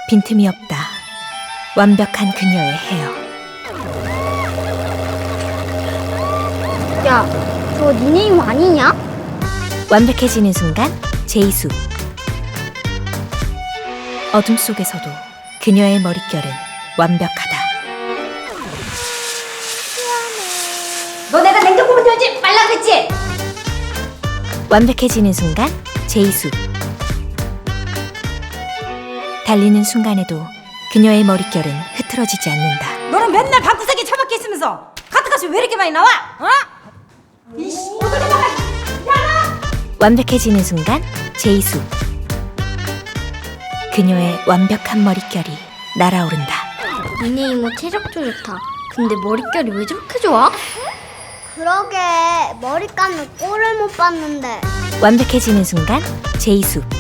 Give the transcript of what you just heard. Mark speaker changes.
Speaker 1: 빈틈이 없다. 완벽한 그녀의 헤어.
Speaker 2: 야, 저거 니네 이모 아니냐?
Speaker 1: 완벽해지는 순간 제이수. 어둠 속에서도 그녀의 머릿결은 완벽하다.
Speaker 2: 너 내가 냉장고 문 열지 말라 그랬지?
Speaker 1: 완벽해지는 순간 제이수. 달리는 순간에도 그녀의 머릿결은 흐트러지지 않는다.
Speaker 3: 너는 맨날 방구석에 처박혀 있으면서 카트값이 왜 이렇게 많이 나와? 어? 이씨, 어떻게 나가?
Speaker 1: 완벽해지는 순간 제이수. 그녀의 완벽한 머릿결이 날아오른다.
Speaker 2: 니네 이모 체력도 좋다. 근데 머릿결이 왜 저렇게 좋아? 그러게 머리 감는 꼴을 못 봤는데.
Speaker 1: 완벽해지는 순간 제이수.